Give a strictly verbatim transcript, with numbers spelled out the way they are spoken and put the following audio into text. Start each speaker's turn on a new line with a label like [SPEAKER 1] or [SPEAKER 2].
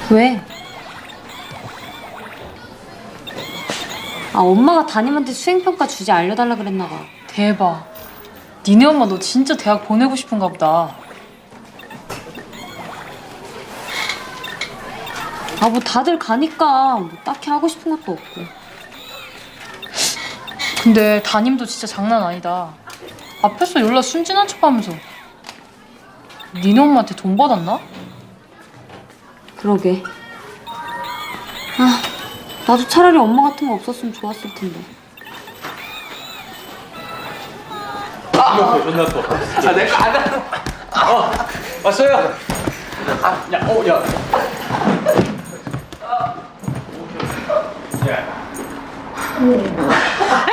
[SPEAKER 1] 왜? 아, 엄마가 담임한테 수행평가 주제 알려달라 그랬나 봐.
[SPEAKER 2] 대박. 니네 엄마 너 진짜 대학 보내고 싶은가 보다.
[SPEAKER 1] 아, 뭐 다들 가니까 뭐 딱히 하고 싶은 것도 없고.
[SPEAKER 2] 근데 담임도 진짜 장난 아니다. 앞에서 연락 순진한 척하면서. 니네 엄마한테 돈 받았나?
[SPEAKER 1] 그러게. 아, 나도 차라리 엄마 같은 거 없었으면 좋았을 텐데.
[SPEAKER 3] 아, 존나 커. 아, 내거 안 나. 어, 왔어요. 아, 야, 어, 야. 야.